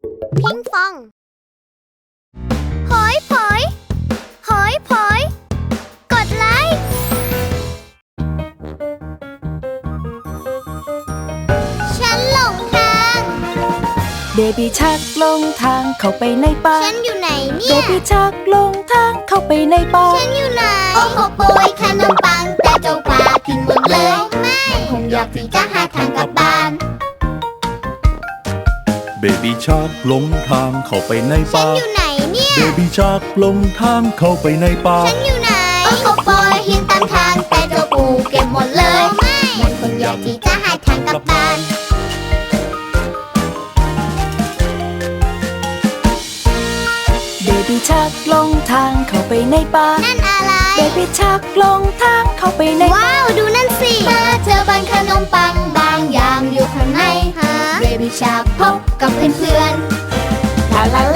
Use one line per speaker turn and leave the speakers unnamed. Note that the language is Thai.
พิงฟองหอยผอยหอยผอยกดไลค์ฉันหลงทาง
เบบี้ชักลงทางเข้าไปในป่า
ฉันอยู่ไหนเนี่
เบ
ย
บี้ชักลงทางเข้าไปในป่า
ฉันอยู่ไหน โอ้โหโปยขนมปังแต่เจ้าปลาทิ้งหมดเลยไม่คงอยากที่จะหาทางกลับบ้าน
เบบี้ชาร์กหลงทางเข้าไปใน
ฉั
ป่าน
อยู่ไหนเนี่ย
เบบี้ชาร์กหลงทางเข้าไปในป่า
ฉันอยู่ไหน โอ้โหโปยหินตามทางแต่เจ้าปูเก็บหมดเลยไม่มันคงอยากที่จะหาทางกลับบ้าน
เบบี้ชักลงทางเข้าไปในป่า
นั่นอะไร
เบบี้ชักลงทางเข้าไปในป่า
ว้าวดูนั่นสิมาเจอบ้านขนมปังบางอย่างอยู่ข้างในเบบี้ชาร์กพบกับเพื่อนๆลาลา